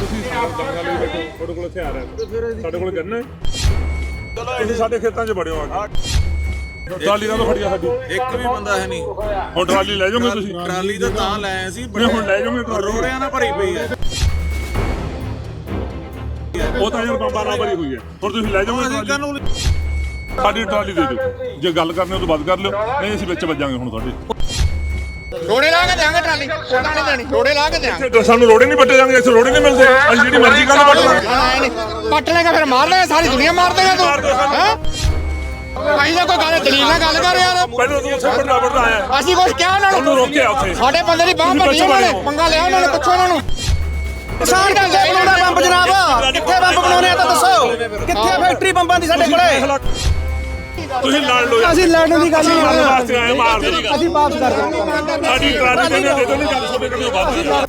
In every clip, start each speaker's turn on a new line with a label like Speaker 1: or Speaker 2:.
Speaker 1: ਤੁਸੀਂ ਦੰਗਾਂ ਲਈ ਬੈਠੋ, ਤੁਹਾਡੇ ਕੋਲ ਹਥਿਆਰ ਹੈ, ਸਾਡੇ ਕੋਲ ਗੰਨ ਹੈ। ਤੁਸੀਂ ਸਾਡੇ ਖੇਤਾਂ 'ਚ ਵੜਿਓ ਆ ਕੇ। ਟਰਾਲੀ ਨਾਲ ਫੜੀਆ ਸਾਡੀ,
Speaker 2: ਇੱਕ ਵੀ ਬੰਦਾ ਹੈ ਨਹੀਂ।
Speaker 1: ਹੁਣ ਟਰਾਲੀ ਲੈ ਜਾਓਗੇ ਤੁਸੀਂ?
Speaker 2: ਟਰਾਲੀ ਤਾਂ ਲੈ ਆਏ ਸੀ,
Speaker 1: ਨਹੀਂ ਹੁਣ ਲੈ ਜਾਓਗੇ ਟਰਾਲੀ?
Speaker 2: ਰੋੜਿਆਂ ਨਾਲ ਭਰੀ ਪਈ ਹੈ।
Speaker 1: ਉਹ ਤਾਂ ਯਾਰ ਬੰਬਾਂ ਨਾਲ ਭਰੀ ਹੋਈ ਹੈ। ਹੁਣ ਤੁਸੀਂ ਲੈ ਜਾਓਗੇ ਟਰਾਲੀ? ਸਾਡੀ ਟਰਾਲੀ ਦੇ ਦਿਓ, ਜੇ ਗੱਲ ਕਰਨੀ ਉਹ ਤੋਂ ਵੱਧ ਕਰ ਲਿਓ, ਨਹੀਂ ਅਸੀਂ ਵਿੱਚ ਵੱਜਾਂਗੇ ਹੁਣ ਤੁਹਾਡੇ।
Speaker 3: ਰੋੜੇ ਲਾ ਕੇ ਦੇਾਂਗੇ ਟਰਾਲੀ, ਉਹਦਾ ਨਹੀਂ ਦੇਣੀ, ਰੋੜੇ ਲਾ ਕੇ ਦੇਾਂਗੇ।
Speaker 1: ਸਾਨੂੰ ਰੋੜੇ ਨਹੀਂ ਪੱਟੇ ਜਾਂਗੇ, ਇੱਥੇ ਰੋੜੇ ਨਹੀਂ ਮਿਲਦੇ, ਅਸੀਂ ਜਿਹੜੀ ਮਰਜ਼ੀ ਗੱਲ ਪੱਟ ਲਾਂਗੇ।
Speaker 3: ਪੱਟ ਲੇਗਾ ਫਿਰ ਮਾਰ ਲੇਗਾ, ਸਾਰੀ ਦੁਨੀਆ ਮਾਰ ਦੇਗਾ ਤੂੰ, ਹੈ? ਅਸੀਂ ਤਾਂ ਕੋਈ ਗੱਲ ਦਲੀਲ ਨਾਲ ਗੱਲ ਕਰ ਯਾਰ।
Speaker 1: ਪਹਿਲਾਂ ਤੂੰ ਉੱਥੇ ਵੱਡਾ ਆਇਆ,
Speaker 3: ਅਸੀਂ ਕੁਝ ਕਿਹਾ ਉਹਨਾਂ
Speaker 1: ਉਹਨੂੰ ਰੋਕਿਆ ਉੱਥੇ।
Speaker 3: ਸਾਡੇ ਬੰਦੇ ਦੀ ਬਾਂਹ ਪੱਟੀ ਉਹਨਾਂ ਨੇ, ਪੰਗਾ ਲਿਆ ਉਹਨਾਂ ਨੇ, ਪੁੱਛੋ ਉਹਨਾਂ ਨੂੰ।
Speaker 4: ਕਿਸਾਨ ਕਿੱਥੇ ਬਣਾਉਣਾ ਬੰਬ ਜਨਾਬ? ਕਿੱਥੇ ਬੰਬ ਬਣਾਉਣੇ ਆ ਤਾਂ ਦੱਸੋ, ਕਿੱਥੇ ਫੈਕਟਰੀ ਬੰਬਾਂ ਦੀ ਸਾਡੇ ਕੋਲੇ?
Speaker 1: ਤੁਸੀਂ ਲੜ ਲਓ,
Speaker 4: ਅਸੀਂ ਲੜਨ ਦੀ ਗੱਲ ਨਹੀਂ
Speaker 1: ਲੜਨ ਵਾਸਤੇ ਆਏ, ਮਾਰ ਦੇ।
Speaker 4: ਅਸੀਂ ਵਾਪਸ ਕਰ ਦਾਂਗੇ।
Speaker 1: ਸਾਡੀ ਟਰਾਲੀ ਦੇ ਦੋ ਨਹੀਂ ਗੱਲ ਸੁਣੇ ਕਦੇ ਬਾਤ।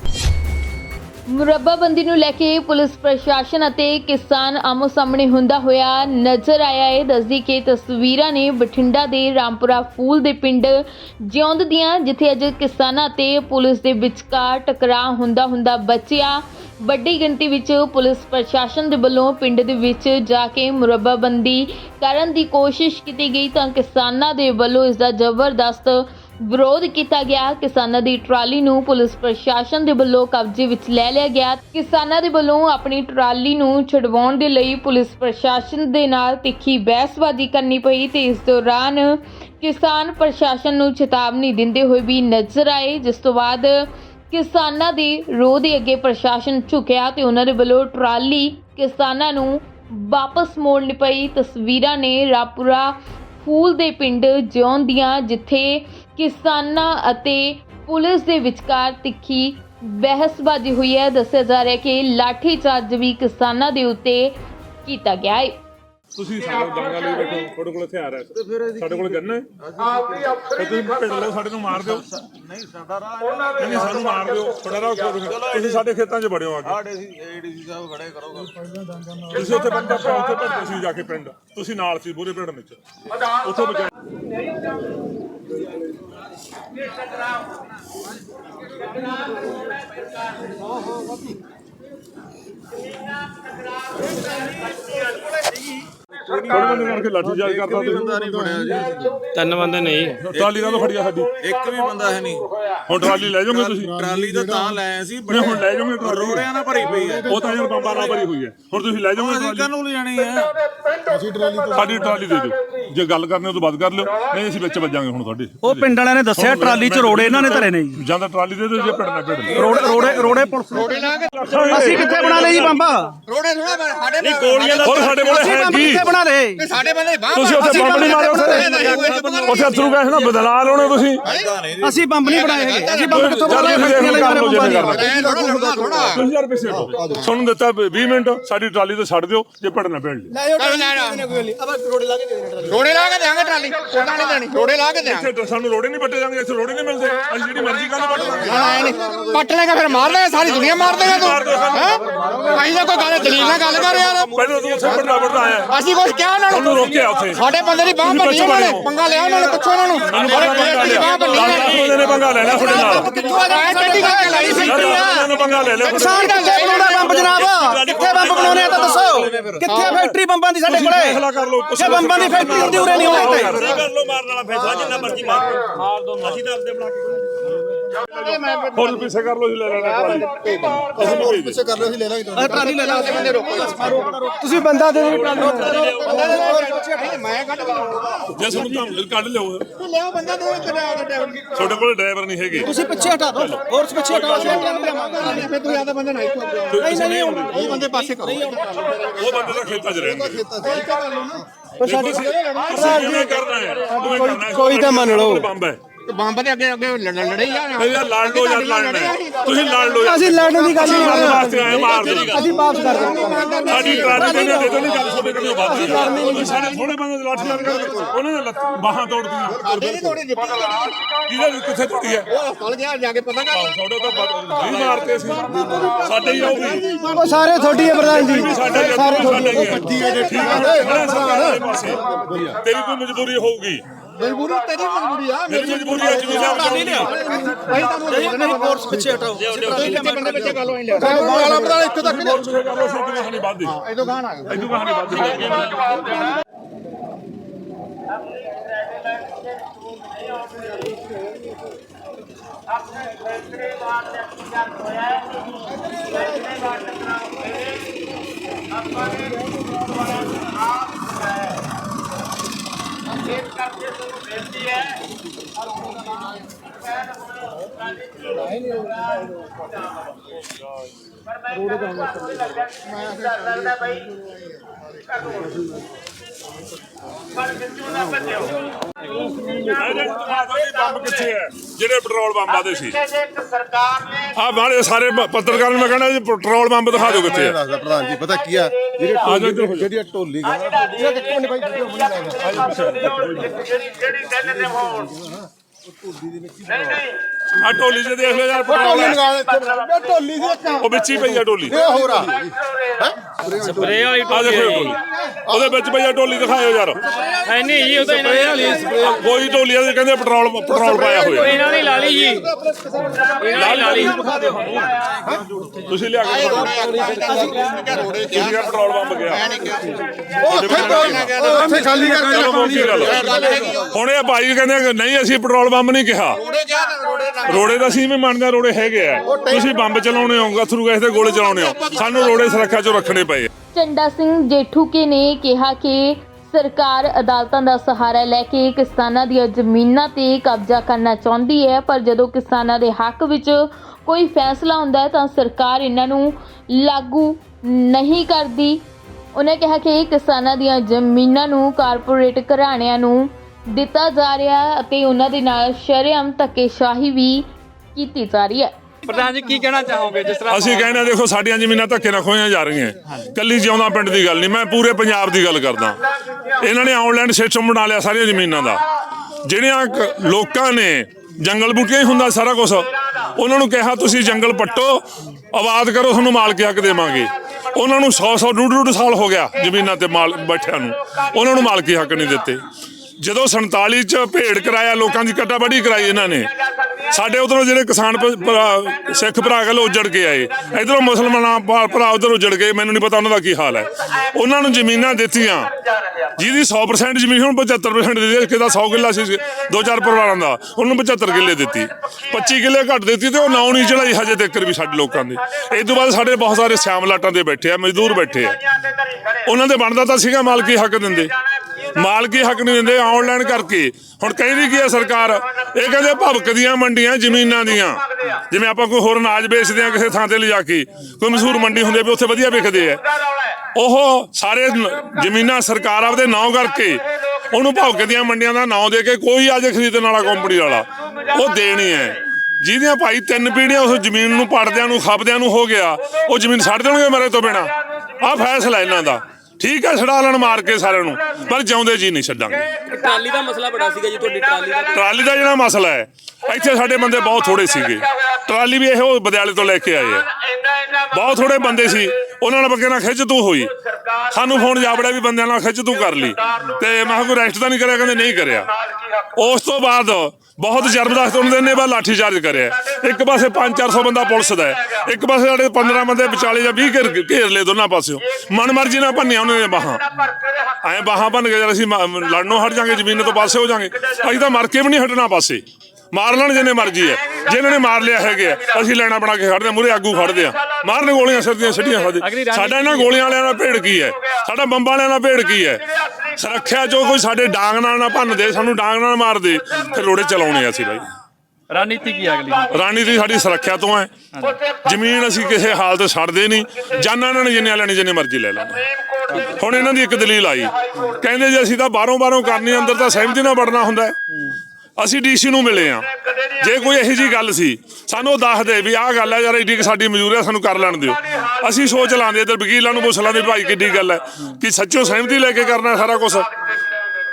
Speaker 5: ਮੁਰੱਬਾਬੰਦੀ ਨੂੰ ਲੈ ਕੇ ਪੁਲਿਸ ਪ੍ਰਸ਼ਾਸਨ ਅਤੇ ਕਿਸਾਨ ਆਮੋ ਸਾਹਮਣੇ ਹੁੰਦਾ ਹੋਇਆ ਨਜ਼ਰ ਆਇਆ ਹੈ। ਦੱਸਦੀ ਕਿ ਤਸਵੀਰਾਂ ਨੇ ਬਠਿੰਡਾ ਦੇ ਰਾਮਪੁਰਾ ਫੂਲ ਦੇ ਪਿੰਡ ਜਿਉਂਦ ਦੀਆਂ, ਜਿੱਥੇ ਅੱਜ ਕਿਸਾਨਾਂ ਤੇ ਪੁਲਿਸ ਦੇ ਵਿਚਕਾਰ ਟਕਰਾਅ ਹੁੰਦਾ ਬਚਿਆ। ਵੱਡੀ ਗਿਣਤੀ ਵਿੱਚ ਪੁਲਿਸ ਪ੍ਰਸ਼ਾਸਨ ਦੇ ਵੱਲੋਂ ਪਿੰਡ ਦੇ ਵਿੱਚ ਜਾ ਕੇ ਮੁਰੱਬਾਬੰਦੀ ਕਰਨ ਦੀ ਕੋਸ਼ਿਸ਼ ਕੀਤੀ ਗਈ ਤਾਂ ਕਿਸਾਨਾਂ ਦੇ ਵੱਲੋਂ ਇਸ ਦਾ ਜ਼ਬਰਦਸਤ ਵਿਰੋਧ ਕੀਤਾ ਗਿਆ। ਕਿਸਾਨਾਂ ਦੀ ਟਰਾਲੀ ਨੂੰ ਪੁਲਿਸ ਪ੍ਰਸ਼ਾਸਨ ਦੇ ਵੱਲੋਂ ਕਬਜ਼ੇ ਵਿੱਚ ਲੈ ਲਿਆ ਗਿਆ। ਕਿਸਾਨਾਂ ਦੇ ਵੱਲੋਂ ਆਪਣੀ ਟਰਾਲੀ ਨੂੰ ਛੁਡਵਾਉਣ ਦੇ ਲਈ ਪੁਲਿਸ ਪ੍ਰਸ਼ਾਸਨ ਦੇ ਨਾਲ ਤਿੱਖੀ ਬਹਿਸਬਾਜ਼ੀ ਕਰਨੀ ਪਈ ਤੇ ਇਸ ਦੌਰਾਨ ਕਿਸਾਨ ਪ੍ਰਸ਼ਾਸਨ ਨੂੰ ਚੇਤਾਵਨੀ ਦਿੰਦੇ ਹੋਏ ਵੀ ਨਜ਼ਰ ਆਏ, ਜਿਸ ਤੋਂ ਬਾਅਦ ਕਿਸਾਨਾਂ ਦੇ ਰੋਹ ਦੇ ਅੱਗੇ ਪ੍ਰਸ਼ਾਸਨ ਝੁਕਿਆ ਤੇ ਉਹਨਾਂ ਦੇ ਵੱਲੋਂ ਟਰਾਲੀ ਕਿਸਾਨਾਂ ਨੂੰ ਵਾਪਸ ਮੋੜਨੀ ਪਈ। ਤਸਵੀਰਾਂ ਨੇ ਰਾਮਪੁਰਾ ਫੂਲ ਦੇ ਪਿੰਡ ਜਿਉਂ ਦੀਆਂ, ਜਿੱਥੇ ਕਿਸਾਨਾਂ ਅਤੇ ਪੁਲਿਸ ਦੇ ਵਿਚਕਾਰ ਤਿੱਖੀ ਬਹਿਸਬਾਜ਼ੀ ਹੋਈ ਹੈ। ਦੱਸਿਆ ਜਾ ਰਿਹਾ ਕਿ ਲਾਠੀ ਚਾਰਜ ਵੀ ਕਿਸਾਨਾਂ ਦੇ ਉੱਤੇ ਕੀਤਾ ਗਿਆ ਹੈ।
Speaker 1: ਤੁਸੀਂ ਸਾਡੇ ਦੰਗਾਂ ਲਈ ਬੈਠੋ, ਤੁਹਾਡੇ ਕੋਲ ਹਥਿਆਰ ਹੈ, ਸਾਡੇ ਕੋਲ ਗੰਨ ਹੈ। ਤੁਸੀਂ ਪਿੰਡ ਲਓ, ਸਾਡੇ ਨੂੰ ਮਾਰ ਦਿਓ।
Speaker 2: ਨਹੀਂ ਸਾਡਾ
Speaker 1: ਨਹੀਂ ਸਾਨੂੰ ਮਾਰ ਦਿਓ, ਤੁਹਾਡਾ ਰਾਹ ਤੁਸੀਂ ਸਾਡੇ ਖੇਤਾਂ 'ਚ ਵੜਿਓ ਆ ਕੇ।
Speaker 2: ਏਡੀਸੀ ਸਾਹਿਬ ਖੜੇ ਕਰੋਗਾ।
Speaker 1: ਤੁਸੀਂ ਉੱਥੇ ਬੰਦਾ ਉੱਥੇ ਭੱਜੋ ਸੀ ਜਾ ਕੇ ਪਿੰਡ, ਤੁਸੀਂ ਨਾਲ ਸੀ ਬੂਰੇ ਪਿੰਡ ਵਿੱਚ, ਉੱਥੇ ਬਚਾ। ਲਾਠੀ ਚਾਰਜ ਕਰਦਾ
Speaker 6: ਤਿੰਨ ਬੰਦੇ ਨਹੀਂ,
Speaker 1: ਟਰਾਲੀ ਨਾਲ ਫੜੀਆ ਸਾਡੀ,
Speaker 2: ਇੱਕ ਵੀ ਬੰਦਾ ਹੈ ਨਹੀਂ।
Speaker 1: ਹੁਣ ਟਰਾਲੀ ਲੈ ਜਾਓਗੇ ਤੁਸੀਂ?
Speaker 2: ਟਰਾਲੀ ਤਾਂ ਲੈ ਆਏ ਸੀ,
Speaker 1: ਨਹੀਂ ਹੁਣ ਲੈ ਜਾਓਗੇ ਟਰਾਲੀ?
Speaker 2: ਰੋੜਿਆਂ ਨਾਲ ਭਰੀ ਪਈ ਹੈ।
Speaker 1: ਉਹ ਤਾਂ ਯਾਰ ਬੰਬਾਂ ਨਾਲ ਭਰੀ ਹੋਈ ਹੈ। ਹੁਣ ਤੁਸੀਂ ਲੈ ਜਾਓਗੇ ਟਰਾਲੀ?
Speaker 2: ਕਾਹਨੂੰ ਲਿਜਾਣੀ ਹੈ?
Speaker 1: ਸਾਡੀ ਟਰਾਲੀ ਦੇ ਦਿਓ, ਜੇ ਗੱਲ ਕਰਨੀ ਉਹ ਤੋਂ ਵੱਧ ਕਰ ਲਿਓ, ਨਹੀਂ ਅਸੀਂ ਵਿੱਚ ਵੱਜਾਂਗੇ ਹੁਣ ਤੁਹਾਡੇ।
Speaker 4: ਉਹ ਪਿੰਡ ਵਾਲਿਆਂ ਨੇ ਦੱਸਿਆ ਟਰਾਲੀ 'ਚ ਰੋੜੇ ਇਹਨਾਂ ਨੇ ਧਰੇ ਨੇ ਜੀ।
Speaker 1: ਜਾਂ ਤਾਂ ਟਰਾਲੀ ਦੇ ਦਿਓ, ਜੇ ਪਿੰਡ ਪਿੰਡ
Speaker 4: ਰੋੜੇ ਪੁਲਿਸ ਅਸੀਂ ਕਿੱਥੇ ਬਣਾ ਲਏ ਜੀ ਬੰਬ?
Speaker 3: ਰੋੜੇ ਥੋੜਾ ਸਾਡੇ ਨਹੀਂ
Speaker 1: ਹੋਰ ਸਾਡੇ ਕੋਲ
Speaker 4: ਅਸੀਂ
Speaker 1: ਹੈ
Speaker 4: ਬੰਬ
Speaker 1: ਕੀ?
Speaker 4: ਕਿੱਥੇ ਬਣਾ ਲਏ?
Speaker 3: ਸਾਡੇ ਬੰਦੇ ਦੀ ਬਾਂਹ
Speaker 1: ਤੁਸੀਂ ਉੱਥੇ ਬੰਬ ਨਹੀਂ ਮਾਰੇ, ਉੱਥੇ ਅਥਰੂ ਗੈਸ ਨਾਲ ਬਦਲਾ ਲਾਉਣੇ ਤੁਸੀਂ।
Speaker 4: ਅਸੀਂ ਬੰਬ ਨਹੀਂ ਬਣਾਏ ਹੈਗੇ, ਅਸੀਂ ਬੰਬ ਕਿੱਥੋਂ ਬਣਾ ਲਏ?
Speaker 1: ਤੁਸੀਂ ਯਾਰ ਪਿੱਛੇ ਹਟੋ, ਤੁਹਾਨੂੰ ਦਿੱਤਾ 20 ਮਿੰਟ, ਸਾਡੀ ਟਰਾਲੀ ਤੇ ਛੱਡ ਦਿਓ, ਜੇ ਪਿੰਡ ਨਾ ਪਿੰਡ ਲਈ।
Speaker 3: ਰੋੜੇ ਲਾ ਕੇ ਦੇਾਂਗੇ ਟਰਾਲੀ, ਉਹਦਾ ਨਹੀਂ ਦੇਣੀ, ਰੋੜੇ ਲਾ ਕੇ ਦੇਾਂਗੇ।
Speaker 1: ਇੱਥੇ ਸਾਨੂੰ ਰੋੜੇ ਨਹੀਂ ਪੱਟੇ ਜਾਂਗੇ, ਇੱਥੇ ਰੋੜੇ ਨਹੀਂ ਮਿਲਦੇ, ਅਸੀਂ ਜਿਹੜੀ ਮਰਜ਼ੀ ਗੱਲ ਪੱਟ ਲਾਂਗੇ।
Speaker 3: ਪੱਟ ਲੇਗਾ ਫਿਰ ਮਾਰ ਲੇਗਾ, ਸਾਰੀ ਦੁਨੀਆ ਮਾਰ ਦੇਗਾ ਤੂੰ, ਹੈ? ਅਸੀਂ ਤਾਂ ਕੋਈ ਗੱਲ ਦਲੀਲ ਨਾਲ ਗੱਲ ਕਰ ਯਾਰ।
Speaker 1: ਪਹਿਲਾਂ ਤੂੰ ਉੱਥੇ ਵੱਡਾ ਆਇਆ,
Speaker 3: ਅਸੀਂ ਕੁਝ ਕਿਹਾ ਉਹਨਾਂ
Speaker 1: ਉਹਨੂੰ ਰੋਕਿਆ ਉੱਥੇ।
Speaker 3: ਸਾਡੇ ਬੰਦੇ ਦੀ ਬਾਂਹ ਪੱਟੀ ਉਹਨਾਂ ਨੇ, ਪੰਗਾ ਲਿਆ ਉਹਨਾਂ ਨੇ, ਪੁੱਛੋ ਉਹਨਾਂ ਨੂੰ।
Speaker 1: ਉਹਨੇ ਪੰਗਾ ਲੈ ਲਿਆ ਤੁਹਾਡੇ ਨਾਲ,
Speaker 3: ਕਿੱਥੋਂ ਆਇਆ ਟੱਟੀ ਕਰਕੇ ਲਾਈ ਸੀ।
Speaker 1: ਉਹਨੇ ਪੰਗਾ ਲੈ ਲਿਆ।
Speaker 4: ਕਿਸਾਨ ਕਿੱਥੇ ਬਣਾਉਣਾ ਬੰਬ ਜਨਾਬ? ਕਿੱਥੇ ਬੰਬ ਬਣਾਉਣੇ ਆ ਤਾਂ ਦੱਸੋ, ਕਿੱਥੇ ਫੈਕਟਰੀ ਬੰਬਾਂ ਦੀ ਸਾਡੇ ਕੋਲੇ?
Speaker 1: ਫੈਸਲਾ ਕਰ ਲਓ,
Speaker 4: ਜੇ ਬੰਬਾਂ ਦੀ ਫੈਕਟਰੀ ਹੁੰਦੀ ਉਰੇ ਨਹੀਂ ਹੋਣੀ।
Speaker 1: ਕਰ ਲਓ ਮਾਰਨ ਵਾਲਾ ਫੈਸਲਾ, ਜਿੰਨਾ ਮਰਜ਼ੀ ਮਾਰ ਦੋ, ਅਸੀਂ ਤਾਂ ਆਪਦੇ ਬਣਾ ਕੇ ਫੁੱਲ ਪਿੱਛੇ ਕਰ ਲਓ, ਜੀ ਲੈ ਲੈਣਾ ਟਰਾਲੀ, ਅਸੀਂ ਪਿੱਛੇ ਕਰ ਲਓ, ਅਸੀਂ ਲੈ ਲਾਂਗੇ
Speaker 4: ਟਰਾਲੀ ਲੈ ਲਾ, ਬੰਦੇ ਰੋਕੋ, ਤੁਸੀਂ ਬੰਦਾ ਦੇ ਦਿਓ ਟਰਾਲੀ।
Speaker 3: ਮੈਂ ਕੱਢ
Speaker 1: ਜੇ ਤੁਹਾਨੂੰ ਕੱਢ ਲਿਓ,
Speaker 3: ਲਿਆਓ ਬੰਦਾ ਦੋ
Speaker 1: ਤੁਹਾਡੇ ਕੋਲ ਡਰਾਈਵਰ ਨਹੀਂ ਹੈਗੇ,
Speaker 4: ਤੁਸੀਂ ਪਿੱਛੇ ਹਟਾ ਦਿਓ, ਹੋਰ ਪਿੱਛੇ ਹਟਾਓ।
Speaker 3: ਫਿਰ ਤੂੰ ਜ਼ਿਆਦਾ ਬੰਦੇ ਨਹੀਂ
Speaker 1: ਨਹੀਂ ਆਉਂਦੇ,
Speaker 3: ਇਹ ਬੰਦੇ ਪਾਸੇ ਕਰੋ।
Speaker 1: ਉਹ ਬੰਦੇ ਤਾਂ ਖੇਤਾਂ 'ਚ ਰਹਿਣਗੇ।
Speaker 4: ਪਰ ਸਾਡੀ
Speaker 1: ਕਿਵੇਂ ਕਰਨਾ ਹੈ?
Speaker 4: ਕੋਈ ਤਾਂ ਮੰਨ ਲਓ,
Speaker 1: ਬੰਬ ਹੈ,
Speaker 3: ਬੰਬ ਦੇ ਅੱਗੇ ਲੜਾਈ
Speaker 1: ਯਾਰ ਲੜ ਲਓ, ਯਾਰ ਲੜਨਾ ਹੈ, ਤੁਸੀਂ ਲੜ ਲਓ।
Speaker 4: ਅਸੀਂ ਲੜਨ ਦੀ ਗੱਲ ਨਹੀਂ
Speaker 1: ਲੜਨ ਵਾਸਤੇ ਆਏ, ਮਾਰ ਦੇ।
Speaker 4: ਅਸੀਂ ਵਾਪਸ ਕਰ ਦਾਂਗੇ।
Speaker 1: ਸਾਡੀ ਟਰਾਲੀ ਦੇ ਦੋ ਨਹੀਂ ਗੱਲ ਸੁਣੇ ਕਦੇ ਬਾਤ। ਸਾਡੇ ਥੋੜੇ ਬੰਦੇ ਲਾਠੀ ਨਾਲ ਕਰ, ਉਹਨਾਂ ਨੇ ਬਾਹਾਂ ਤੋੜਦੀਆਂ। ਕਿਹਦੇ ਕਿੱਥੇ ਤੋੜੀ ਹੈ?
Speaker 3: ਹਸਪਤਾਲ ਗਿਆ ਜਾ ਕੇ ਪਤਾ ਕਰ।
Speaker 1: ਤੁਹਾਡੇ ਤਾਂ ਨਹੀਂ ਮਾਰਤੇ ਸੀ, ਸਾਡੇ ਹੀ ਆਉਗੀ।
Speaker 4: ਉਹ ਸਾਰੇ ਤੁਹਾਡੀ ਹੈ ਪ੍ਰਧਾਨ ਜੀ,
Speaker 1: ਸਾਡੇ
Speaker 4: ਸਾਰੇ
Speaker 1: ਸਾਡੇ ਠੀਕ ਹੈ, ਤੇਰੀ ਕੋਈ ਮਜਬੂਰੀ ਹੋਊਗੀ,
Speaker 3: ਮਜਬੂਰੀ ਤੇਰੀ ਮਜਬੂਰੀ ਆ
Speaker 1: ਮੇਰੀ ਮਜਬੂਰੀ ਹੈ ਜੀ ਸਾਹਿਬ
Speaker 3: ਨਹੀਂ ਕੋਰਸ ਪਿੱਛੇ ਹਟਾਓ ਬੰਦੇ ਪਿੱਛੇ ਗੱਲ ਹੋਈ ਲਿਆ ਵਾਲਾ ਪਤਾ ਇੱਥੇ ਤੱਕ
Speaker 1: ਨਹੀਂ ਵੱਧਦੀ
Speaker 3: ਇਦੋਂ ਗਾਣ ਆ ਗਏ
Speaker 1: ਇਦੋਂ ਕਹਾਣੀ ਵੱਧਦੀ ਬੰਬ ਕਿੱਥੇ ਹੈ ਜਿਹੜੇ ਪੈਟਰੋਲ ਬੰਬਾਂ ਦੇ ਸੀ ਆ ਬਾਹਰ ਸਾਰੇ ਪੱਤਰਕਾਰ ਨੂੰ ਮੈਂ ਕਹਿੰਦਾ ਜੀ ਪੈਟਰੋਲ ਬੰਬ ਦਿਖਾ ਦਿਓ ਕਿੱਥੇ ਹੈ
Speaker 7: ਪ੍ਰਧਾਨ ਜੀ ਪਤਾ ਕੀ ਆ ਜਿਹੜੀ ਢੋਲੀ
Speaker 1: ਆ ਢੋਲੀ ਚ ਦੇਖ ਲਓ ਯਾਰ
Speaker 3: ਢੋਲੀ ਸੀ ਇੱਕ
Speaker 1: ਉਹ ਵਿੱਚ ਹੀ ਪਈ ਆ ਢੋਲੀ
Speaker 7: ਇਹ ਹੋਰ ਆ
Speaker 6: ਸਪਰੇ ਵਾਲੀ
Speaker 1: ਆ ਦੇਖੋ ਢੋਲੀ ਉਹਦੇ ਵਿੱਚ ਪਈ ਆ ਢੋਲੀ ਦਿਖਾਇਓ ਯਾਰ
Speaker 6: ਐ ਨਹੀਂ ਜੀ ਉਹ ਤਾਂ ਇਹਨਾਂ ਨੇ
Speaker 1: ਕੋਈ ਢੋਲੀ ਆ ਕਹਿੰਦੇ ਪੈਟਰੋਲ ਪਾਇਆ ਹੋਇਆ
Speaker 6: ਇਹਨਾਂ ਨੇ ਲਾ ਲਈ ਜੀ ਇਹਨਾਂ ਨੇ ਲਾ ਲਈ
Speaker 1: ਤੁਸੀਂ ਲਿਆ ਕੇ ਪੈਟਰੋਲ ਬੰਬ ਗਿਆ
Speaker 7: ਉੱਥੇ ਖਾਲੀ
Speaker 1: ਚਲੋ ਮੌਕੇ ਗੱਲ ਹੁਣ ਇਹ ਭਾਈ ਕਹਿੰਦੇ ਨਹੀਂ ਅਸੀਂ ਪੈਟਰੋਲ ਬੰਬ ਨਹੀਂ ਕਿਹਾ ਰੋੜੇ ਦਾ ਅਸੀਂ ਵੀ ਮੰਨਦੇ ਰੋੜੇ ਹੈਗੇ ਆ ਤੁਸੀਂ ਬੰਬ ਚਲਾਉਣੇ ਹੋ ਅਥਰੂ ਗੈਸ ਦੇ ਗੋਲੇ ਚਲਾਉਣੇ ਹੋ ਸਾਨੂੰ ਰੋੜੇ ਸੁਰੱਖਿਆ ਚੋਂ ਰੱਖਣੇ ਪਏ
Speaker 5: ਝੰਡਾ ਸਿੰਘ ਜੇਠੂਕੇ ਨੇ ਕਿਹਾ ਕਿ ਸਰਕਾਰ ਅਦਾਲਤਾਂ ਦਾ ਸਹਾਰਾ ਲੈ ਕੇ ਕਿਸਾਨਾਂ ਦੀਆਂ ਜ਼ਮੀਨਾਂ ਤੇ ਕਬਜ਼ਾ ਕਰਨਾ ਚਾਹੁੰਦੀ ਹੈ ਪਰ ਜਦੋਂ ਕਿਸਾਨਾਂ ਦੇ ਹੱਕ ਵਿੱਚ ਕੋਈ ਫੈਸਲਾ ਹੁੰਦਾ ਹੈ ਤਾਂ ਸਰਕਾਰ ਇਹਨਾਂ ਨੂੰ ਲਾਗੂ ਨਹੀਂ ਕਰਦੀ। ਉਹਨੇ ਕਿਹਾ ਕਿ ਕਿਸਾਨਾਂ ਦੀਆਂ ਜ਼ਮੀਨਾਂ ਨੂੰ ਕਾਰਪੋਰੇਟ ਘਰਾਣਿਆਂ ਨੂੰ ਦਿੱਤਾ ਜਾ ਰਿਹਾ ਅਤੇ ਉਹਨਾਂ ਦੇ ਨਾਲ ਸ਼ਰੇਆਮ ਧੱਕੇਸ਼ਾਹੀ ਵੀ ਕੀਤੀ ਜਾ ਰਹੀ ਹੈ।
Speaker 6: ਪ੍ਰਧਾਨ ਜੀ ਕੀ ਕਹਿਣਾ ਚਾਹੋਗੇ ਜਿਸ ਤਰ੍ਹਾਂ
Speaker 1: ਅਸੀਂ ਕਹਿੰਦੇ ਦੇਖੋ ਸਾਡੀਆਂ ਜ਼ਮੀਨਾਂ ਧੱਕੇ ਨਾਲ ਖੋਹੀਆਂ ਜਾ ਰਹੀਆਂ ਕੱਲੀ ਜਿਉਂਦਾ ਪਿੰਡ ਦੀ ਗੱਲ ਨਹੀਂ ਮੈਂ ਪੂਰੇ ਪੰਜਾਬ ਦੀ ਗੱਲ ਕਰਦਾ ਇਹਨਾਂ ਨੇ ਆਨਲਾਈਨ ਸਿਸਟਮ ਬਣਾ ਲਿਆ ਸਾਰੀਆਂ ਜ਼ਮੀਨਾਂ ਦਾ ਜਿਹੜੀਆਂ ਲੋਕਾਂ ਨੇ ਜੰਗਲ ਬੂਟੀਆਂ ਹੀ ਹੁੰਦਾ ਸਾਰਾ ਕੁਝ ਉਹਨਾਂ ਨੂੰ ਕਿਹਾ ਤੁਸੀਂ ਜੰਗਲ ਪੱਟੋ ਆਬਾਦ ਕਰੋ ਤੁਹਾਨੂੰ ਮਾਲਕੀ ਹੱਕ ਦੇਵਾਂਗੇ ਉਹਨਾਂ ਨੂੰ 100 ਡੂਢ ਸਾਲ ਹੋ ਗਿਆ ਜ਼ਮੀਨਾਂ ਤੇ ਮਾਲ ਬੈਠਿਆਂ ਨੂੰ ਉਹਨਾਂ ਨੂੰ ਮਾਲਕੀ ਹੱਕ ਨਹੀਂ ਦਿੱਤੇ ਜਦੋਂ 47 ਚ ਭੇੜ ਕਰਾਇਆ ਲੋਕਾਂ ਦੀ ਕੱਟਾਬੜੀ ਕਰਾਈ ਇਹਨਾਂ ਨੇ ਸਾਡੇ ਉਧਰੋਂ ਜਿਹੜੇ ਕਿਸਾਨ ਸਿੱਖ ਭਰਾ ਗੱਲ ਉੱਜੜ ਕੇ ਆਏ ਇਧਰੋਂ ਮੁਸਲਮਾਨ ਭਰਾ ਉਧਰ ਉੱਜੜ ਗਏ ਮੈਨੂੰ ਨਹੀਂ ਪਤਾ ਉਹਨਾਂ ਦਾ ਕੀ ਹਾਲ ਹੈ ਉਹਨਾਂ ਨੂੰ ਜ਼ਮੀਨਾਂ ਦਿੱਤੀਆਂ ਜਿਹਦੀ 100% ਜ਼ਮੀਨ ਹੁਣ 75% ਦਿੱਤੀ ਕਿਦਾ 100 ਕਿੱਲਾ ਸੀ 2-4 ਪਰਿਵਾਰਾਂ ਦਾ ਉਹਨੂੰ 75 ਕਿੱਲੇ ਦਿੱਤੀ 25 ਕਿੱਲੇ ਘੱਟ ਦਿੱਤੀ ਤੇ ਉਹ ਨਾਉ ਨਹੀਂ ਚੜਾਈ ਹਜੇ ਤੱਕ ਵੀ ਸਾਡੇ ਲੋਕਾਂ ਦੇ ਇਸ ਤੋਂ ਬਾਅਦ ਸਾਡੇ ਬਹੁਤ ਸਾਰੇ ਸਿਆਮ ਲਾਟਾਂ ਦੇ ਬੈਠੇ ਆ ਮਜ਼ਦੂਰ ਬੈਠੇ ਆ ਉਹਨਾਂ ਦੇ ਬਣਦਾ ਤਾਂ ਸੀਗਾ ਮਾਲਕੀ ਹੱਕ ਦਿੰਦੇ ਮਾਲਕੀ ਹੱਕ ਨਹੀਂ ਦਿੰਦੇ ਆਨਲਾਈਨ ਕਰਕੇ ਹੁਣ ਕਹਿੰਦੀ ਕੀ ਹੈ ਸਰਕਾਰ ਇਹ ਕਹਿੰਦੇ ਭਵਕਦੀਆਂ ਮੰਡੀਆਂ ਜ਼ਮੀਨਾਂ ਦੀਆਂ ਜਿਵੇਂ ਆਪਾਂ ਕੋਈ ਹੋਰ ਅਨਾਜ ਵੇਚਦੇ ਆ ਕਿਸੇ ਥਾਂ ਤੇ ਲਿਜਾ ਕੇ ਕੋਈ ਮਸ਼ਹੂਰ ਮੰਡੀ ਹੁੰਦੀ ਵੀ ਉੱਥੇ ਵਧੀਆ ਵਿਕਦੇ ਆ ਉਹ ਸਾਰੇ ਜ਼ਮੀਨਾਂ ਸਰਕਾਰ ਆਪਦੇ ਨਾਂ ਕਰਕੇ ਉਹਨੂੰ ਭਵਕਦੀਆਂ ਮੰਡੀਆਂ ਦਾ ਨਾਂ ਦੇ ਕੇ ਕੋਈ ਅੱਜ ਖਰੀਦਣ ਵਾਲਾ ਕੰਪਨੀ ਵਾਲਾ ਉਹ ਦੇਣੀ ਹੈ ਜਿਹਦੀਆਂ ਭਾਈ 3 ਪੀੜ੍ਹੀਆਂ ਉਸ ਜ਼ਮੀਨ ਨੂੰ ਪੜਦਿਆਂ ਨੂੰ ਖਾਪਦਿਆਂ ਨੂੰ ਹੋ ਗਿਆ ਉਹ ਜ਼ਮੀਨ ਛੱਡ ਦੇਣਗੇ ਮਰੇ ਤੋਂ ਬਿਨਾਂ ਆਹ ਫੈਸਲਾ ਇਹਨਾਂ ਦਾ ਠੀਕ ਹੈ ਛਡਾ ਲੈਣ ਮਾਰ ਕੇ ਸਾਰਿਆਂ ਨੂੰ ਪਰ ਜਿਉਂਦੇ ਜੀ ਨਹੀਂ ਛੱਡਾਂਗੇ।
Speaker 6: ਟਰਾਲੀ ਦਾ ਮਸਲਾ ਬੜਾ ਸੀਗਾ ਜੀ ਤੁਹਾਡੀ
Speaker 1: ਟਰਾਲੀ ਦਾ ਜਿਹੜਾ ਮਸਲਾ ਹੈ ਇੱਥੇ ਸਾਡੇ ਬੰਦੇ ਬਹੁਤ ਥੋੜੇ ਸੀਗੇ ਟਰਾਲੀ ਵੀ ਇਹੋ ਬਦਿਆਲੇ ਤੋਂ ਲੈ ਕੇ ਆਏ ਆ ਬਹੁਤ ਥੋੜੇ ਬੰਦੇ ਸੀ ਉਹਨਾਂ ਨਾਲ ਬੱਕੇ ਨਾਲ ਖਿੱਚ ਤੂੰ ਹੋਈ ਸਾਨੂੰ ਫੋਨ ਜਾਵੜਿਆ ਵੀ ਬੰਦਿਆਂ ਨਾਲ ਖਿੱਚ ਤੂੰ ਕਰ ਲਈ ਤੇ ਮੈਂ ਕੋਈ ਰੈਸਟ ਤਾਂ ਨਹੀਂ ਕਰਿਆ ਕਹਿੰਦੇ ਨਹੀਂ ਕਰਿਆ ਉਸ ਤੋਂ ਬਾਅਦ ਬਹੁਤ ਜ਼ਬਰਦਸਤ ਉਹਨਾਂ ਨੇ ਬਾਅਦ ਲਾਠੀ ਚਾਰਜ ਕਰਿਆ ਇੱਕ ਪਾਸੇ 500-400 ਬੰਦਾ ਪੁਲਿਸ ਦਾ ਇੱਕ ਪਾਸੇ ਸਾਡੇ 15 ਬੰਦੇ ਵਿਚਾਲੇ ਜਾਂ 20 ਘੇਰ ਲਏ ਦੋਨਾਂ ਪਾਸਿਓਂ ਮਨ ਮਰਜ਼ੀ ਨਾਲ ਭੰਨਿਆ ਉਹਨਾਂ ਨੇ ਬਾਹਾਂ ਐਂ ਬਾਹਾਂ ਭੰਨ ਕੇ ਅਸੀਂ ਲੜਨੋਂ ਹਟ ਜਾਾਂਗੇ ਜ਼ਮੀਨ ਤੋਂ ਪਾਸੇ ਹੋ ਜਾਾਂਗੇ ਅਸੀਂ ਤਾਂ ਮਰ ਕੇ ਵੀ ਨਹੀਂ ਹਟਣਾ ਪਾਸੇ ਮਾਰ ਲੈਣ ਜਿੰਨੇ ਮਰਜ਼ੀ ਹੈ ਜਿਹਨਾਂ ਨੇ ਮਾਰ ਲਿਆ ਹੈਗੇ ਅਸੀਂ ਲੈਣਾ ਬਣਾ ਕੇ ਖੜਦੇ ਮੂਹਰੇ ਆਗੂ ਖੜਦੇ ਆ ਮਾਰਨ ਗੋਲੀਆਂ ਸਿੱਧੀਆਂ ਸਾਡਾ ਇਹਨਾਂ ਗੋਲੀਆਂ ਵਾਲਿਆਂ ਨਾਲ ਭੇੜ ਕੀ ਹੈ ਸਾਡਾ ਬੰਬਾਂ ਵਾਲਿਆਂ ਨਾਲ ਭੇੜ ਕੀ ਹੈ ਸੁਰੱਖਿਆ ਜੋ ਕੋਈ ਸਾਡੇ ਡਾਂਗ ਨਾਲ ਨਾ ਭੰਨਦੇ ਸਾਨੂੰ ਡਾਂਗ ਨਾਲ ਮਾਰਦੇ ਫਿਰ ਰੋੜੇ ਚਲਾਉਣੇ ਅਸੀਂ ਬਾਈ
Speaker 6: ਰਣਨੀਤੀ ਕੀ ਅਗਲੀ
Speaker 1: ਰਣਨੀਤੀ ਸਾਡੀ ਸੁਰੱਖਿਆ ਤੋਂ ਹੈ ਜ਼ਮੀਨ ਅਸੀਂ ਕਿਸੇ ਹਾਲਤ ਛੱਡਦੇ ਨਹੀਂ ਜਾਨਾਂ ਇਹਨਾਂ ਨੇ ਜਿੰਨੀਆਂ ਲੈਣੀ ਜਿੰਨੇ ਮਰਜ਼ੀ ਲੈ ਲੈਣ ਹੁਣ ਇਹਨਾਂ ਦੀ ਇੱਕ ਦਲੀਲ ਆਈ ਕਹਿੰਦੇ ਜੇ ਅਸੀਂ ਤਾਂ ਬਾਹਰੋਂ ਕਰਨੀ ਅੰਦਰ ਤਾਂ ਸਹਿਮਤੀ ਨਾਲ ਵੜਨਾ ਹੁੰਦਾ ਅਸੀਂ ਡੀਸੀ ਨੂੰ ਮਿਲੇ ਆ ਜੇ ਕੋਈ ਇਹੋ ਜਿਹੀ ਗੱਲ ਸੀ ਸਾਨੂੰ ਉਹ ਦੱਸ ਦੇ ਵੀ ਆਹ ਗੱਲ ਹੈ ਯਾਰ ਏਡੀ ਸਾਡੀ ਮਨਜ਼ੂਰੀ ਹੈ ਸਾਨੂੰ ਕਰ ਲੈਣ ਦਿਓ ਅਸੀਂ ਸੋਚ ਲਾਂਦੇ ਇੱਧਰ ਵਕੀਲਾਂ ਨੂੰ ਪੁੱਛ ਲਾਂਦੇ ਭਾਈ ਕਿੱਡੀ ਗੱਲ ਹੈ ਕਿ ਸੱਚੋ ਸਹਿਮਤੀ ਲੈ ਕੇ ਕਰਨਾ ਸਾਰਾ ਕੁਝ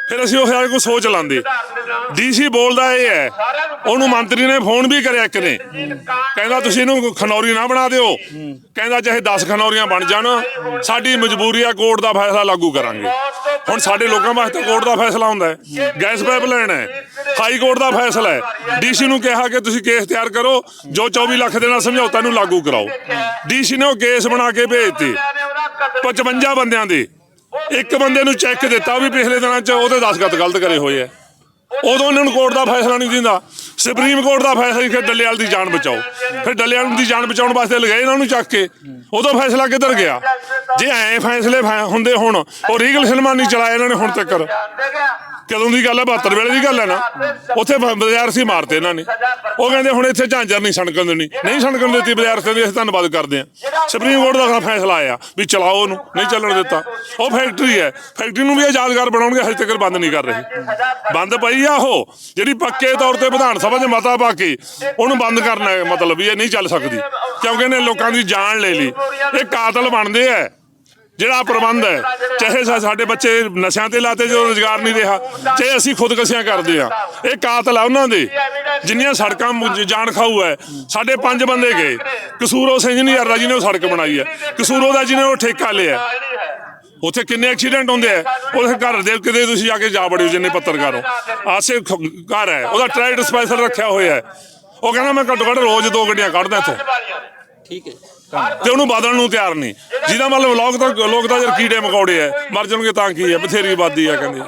Speaker 1: ਫਿਰ ਅਸੀਂ ਉਹ ਕੋਈ ਸੋਚ ਲਾਂਦੇ। ਡੀਸੀ ਬੋਲਦਾ ਇਹ ਹੈ, ਉਹਨੂੰ ਮੰਤਰੀ ਨੇ ਫੋਨ ਵੀ ਕਰਿਆ ਇੱਕ ਨੇ, ਕਹਿੰਦਾ ਤੁਸੀਂ ਇਹਨੂੰ ਖਨੌਰੀ ਨਾ ਬਣਾ ਦਿਓ, ਕਹਿੰਦਾ ਚਾਹੇ 10 ਖਨੌਰੀਆਂ ਬਣ ਜਾਣ, ਸਾਡੀ ਮਜਬੂਰੀ ਆ, ਕੋਰਟ ਦਾ ਫੈਸਲਾ ਲਾਗੂ ਕਰਾਂਗੇ। ਹੁਣ ਸਾਡੇ ਲੋਕਾਂ ਵਾਸਤੇ ਕੋਰਟ ਦਾ ਫੈਸਲਾ ਹੁੰਦਾ ਹੈ, ਗੈਸ ਪਾਈਪਲਾਈਨ ਹੈ, ਹਾਈ ਕੋਰਟ ਦਾ ਫੈਸਲਾ ਹੈ। ਡੀਸੀ ਨੂੰ ਕਿਹਾ ਕਿ ਤੁਸੀਂ ਕੇਸ ਤਿਆਰ ਕਰੋ, ਜੋ 24 ਲੱਖ ਦੇ ਨਾਲ ਸਮਝੌਤਾ ਨੂੰ ਲਾਗੂ ਕਰਾਓ। ਡੀਸੀ ਨੇ ਉਹ ਕੇਸ ਬਣਾ ਕੇ ਭੇਜਤੇ 55 ਬੰਦਿਆਂ ਦੇ। ਇੱਕ ਬੰਦੇ ਨੂੰ ਚੈੱਕ ਦਿੱਤਾ ਵੀ ਪਿਛਲੇ ਦਿਨਾਂ 'ਚ ਉਹਦੇ ਦਸਤਖਤ ਗਲਤ ਕਰੇ ਹੋਏ ਆ। ਉਦੋਂ ਇਹਨਾਂ ਨੂੰ ਕੋਰਟ ਦਾ ਫੈਸਲਾ ਨਹੀਂ ਦਿੰਦਾ। ਸੁਪਰੀਮ ਕੋਰਟ ਦਾ ਫੈਸਲਾ ਕਿ ਡੱਲੇਵਾਲ ਦੀ ਜਾਨ ਬਚਾਓ, ਫਿਰ ਡੱਲੇਵਾਲ ਦੀ ਜਾਨ ਬਚਾਉਣ ਵਾਸਤੇ ਲਗਾਏ ਇਹਨਾਂ ਨੂੰ ਚੱਕ ਕੇ। ਉਦੋਂ ਫੈਸਲਾ ਕਿੱਧਰ ਗਿਆ? ਜੇ ਐਂ ਫੈਸਲੇ ਹੁੰਦੇ ਹੁਣ, ਉਹ ਰੀਗਲ ਸਿਨੇਮਾ ਨਹੀਂ ਚਲਾਇਆ ਇਹਨਾਂ ਨੇ ਹੁਣ ਤੱਕ। ਕਦੋਂ ਦੀ ਗੱਲ ਹੈ? 72 ਵੇਲੇ ਦੀ ਗੱਲ ਹੈ ਨਾ। ਉੱਥੇ ਵਿਦਿਆਰਥੀ ਮਾਰਤੇ ਇਹਨਾਂ ਨੇ। ਉਹ ਕਹਿੰਦੇ ਹੁਣ ਇੱਥੇ ਝਾਂਜਰ ਨਹੀਂ ਸਣਕਣ ਦੇਣੀ, ਨਹੀਂ ਸਣਕਣ ਦਿੱਤੀ ਵਿਦਿਆਰਥੀਆਂ ਦੀ। ਅਸੀਂ ਧੰਨਵਾਦ ਕਰਦੇ ਹਾਂ। ਸੁਪਰੀਮ ਕੋਰਟ ਦਾ ਫੈਸਲਾ ਆਇਆ ਵੀ ਚਲਾਓ, ਉਹਨੂੰ ਨਹੀਂ ਚੱਲਣ ਦਿੱਤਾ। ਉਹ ਫੈਕਟਰੀ ਹੈ, ਫੈਕਟਰੀ ਨੂੰ ਵੀ ਯਾਦਗਾਰ ਬਣਾਉਣਗੇ, ਹਜੇ ਤੱਕ ਬੰਦ ਨਹੀਂ ਕਰ ਰਹੇ। ਬੰਦ ਪਈ ਆ ਉਹ, ਜਿਹੜੀ ਪੱਕੇ ਤੌਰ ਤੇ ਵਿਧਾਨ ਸਭਾ 'ਚ ਮਤਾ ਪਾ ਕੇ ਉਹਨੂੰ ਬੰਦ ਕਰਨਾ ਹੈ, ਮਤਲਬ ਵੀ ਇਹ ਨਹੀਂ ਚੱਲ ਸਕਦੀ, ਕਿਉਂਕਿ ਇਹਨੇ ਲੋਕਾਂ ਦੀ ਜਾਨ ਲੈ ਲਈ। ਇਹ ਕਾਤਲ ਬਣਦੇ ਆ। ਜਿਹੜਾ ਪ੍ਰਬੰਧ ਹੈ, ਚਾਹੇ ਸਾਡੇ ਬੱਚੇ ਨਸ਼ਿਆਂ ਤੇ ਲਾਤੇ ਜਦੋਂ ਰੁਜ਼ਗਾਰ ਨਹੀਂ ਰਿਹਾ, ਚਾਹੇ ਅਸੀਂ ਖੁਦਕਸ਼ੀਆਂ ਕਰਦੇ ਆ, ਇਹ ਕਾਤਲ ਆ ਉਹਨਾਂ ਦੇ। ਜਿੰਨੀਆਂ ਸੜਕਾਂ ਜਾਨ ਖਾਊ ਹੈ। ਸਾਡੇ 5 ਬੰਦੇ ਗਏ। ਕਸੂਰ ਉਸ ਇੰਜੀਨੀਅਰ ਦਾ ਜਿਹਨੇ ਉਹ ਸੜਕ ਬਣਾਈ ਹੈ, ਕਸੂਰ ਉਹਦਾ ਜਿਹਨੇ ਉਹ ਠੇਕਾ ਲਿਆ। ਉੱਥੇ ਕਿੰਨੇ ਐਕਸੀਡੈਂਟ ਹੁੰਦੇ ਆ। ਉਹਦੇ ਘਰ ਦੇ ਕਿਤੇ ਤੁਸੀਂ ਜਾ ਕੇ ਜਾ ਵੜਿਓ, ਜਿੰਨੇ ਪੱਤਰਕਾਰ ਹੋ। ਆਸੇ ਘਰ ਹੈ, ਉਹਦਾ ਟਰੈਕਟਰ ਸਪੈਸ਼ਲ ਰੱਖਿਆ ਹੋਇਆ ਹੈ। ਉਹ ਕਹਿੰਦਾ ਮੈਂ ਘੱਟੋ ਘੱਟ ਰੋਜ਼ 2 ਗੱਡੀਆਂ ਕੱਢਦਾ ਇੱਥੋਂ। ਠੀਕ ਹੈ। ਤੇ ਉਹਨੂੰ ਬਦਲਣ ਨੂੰ ਤਿਆਰ ਨਹੀਂ। ਜਿਹਦਾ ਮਤਲਬ ਲੋਕ ਤਾਂ ਜਦ ਕੀੜੇ ਮਕੌੜੇ ਆ, ਮਰ ਜਾਣਗੇ ਤਾਂ ਕੀ ਹੈ, ਬਥੇਰੀ ਆਬਾਦੀ ਆ ਕਹਿੰਦੇ।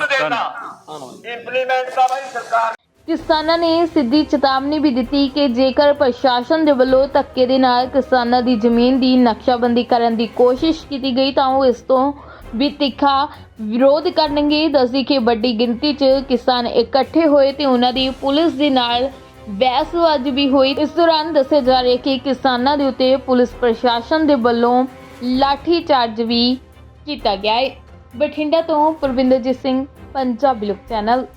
Speaker 5: ਕਿਸਾਨਾਂ ਨੇ ਸਿੱਧੀ ਚੇਤਾਵਨੀ ਵੀ ਦਿੱਤੀ ਕਿ ਜੇਕਰ ਪ੍ਰਸ਼ਾਸਨ ਦੇ ਵੱਲੋਂ ਧੱਕੇ ਦੇ ਨਾਲ ਕਿਸਾਨਾਂ ਦੀ ਜ਼ਮੀਨ ਦੀ ਨਕਸ਼ਾਬੰਦੀ ਕਰਨ ਦੀ ਕੋਸ਼ਿਸ਼ ਕੀਤੀ ਗਈ ਤਾਂ ਉਹ ਇਸ ਤੋਂ ਵੀ ਤਿੱਖਾ ਵਿਰੋਧ ਕਰਨਗੇ। ਦੱਸਦੀ ਕਿ ਵੱਡੀ ਗਿਣਤੀ 'ਚ ਕਿਸਾਨ ਇਕੱਠੇ ਹੋਏ ਤੇ ਉਹਨਾਂ ਦੀ ਪੁਲਿਸ ਦੇ ਨਾਲ ਬਹਿਸਬਾਜ਼ੀ ਵੀ ਹੋਈ। ਇਸ ਦੌਰਾਨ ਦੱਸਿਆ ਜਾ ਰਿਹਾ ਕਿ ਕਿਸਾਨਾਂ ਦੇ ਉੱਤੇ ਪੁਲਿਸ ਪ੍ਰਸ਼ਾਸਨ ਦੇ ਵੱਲੋਂ ਲਾਠੀ ਚਾਰਜ ਵੀ ਕੀਤਾ ਗਿਆ ਹੈ। ਬਠਿੰਡਾ ਤੋਂ ਪਰਵਿੰਦਰਜੀਤ ਸਿੰਘ, ਪੰਜਾਬੀ ਲੋਕ ਚੈਨਲ।